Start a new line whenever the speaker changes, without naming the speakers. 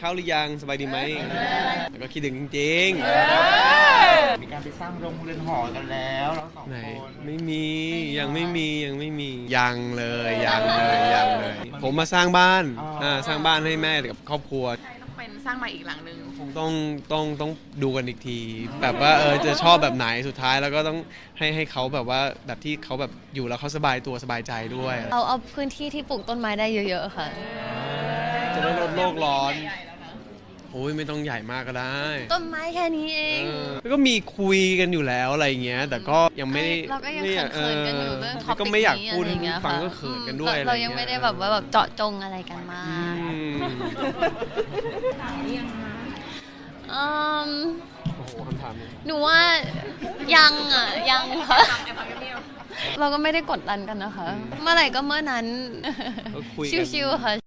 ข้าวหรือยังสบายดีไหมแล้วก็คิดถึงจริง
มีการไปสร้างโรงเรือนหอกันแล้วเราสอง
ๆไหน
คน
ไม่มียังไม่มียังเลยผมมาสร้างบ้านสร้างบ้านให้แม่กับครอบครัว
ต้องเป็นสร้างใหม่อีกหลังนึง
คงต้องดูกันอีกที แบบว่าจะชอบแบบไหนสุดท้ายแล้วก็ต้องให้เขาแบบว่าแบบที่เขาแบบอยู่แล้วเขาสบายตัวสบายใจด้วย
เอาพื้นที่ที่ปลูกต้นไม้ได้เยอะๆค่ะ
จะได้ลดโลกร้อนโอ้ยไม่ต้องใหญ่มากก็ได้
ต้นไม้แค่นี้เอง
แล้วก็มีคุยกันอยู่แล้วอะไรเงี้ยแต่ก็ยังไม่ได้
เราก็ยังเขินๆกันอยู่เรื่องท็อปิก
ก็ไม่อยากพูด
นี้
ให้
อะไรเงี้ย
ฟัง
ค่ะ
ก็เขินกันด้วย
เรายังไม่ได้แบบว่าแบบเจาะจงอะไรกันมาก
อืม
อืม
โอ้โหคำถามนี้
หนูว่ายังค่ะเราก็ไม่ได้กดดันกันนะคะ เมื่อไหร่ก็เมื่อนั้น
ก็คุยกัน
ชิวๆค่ะ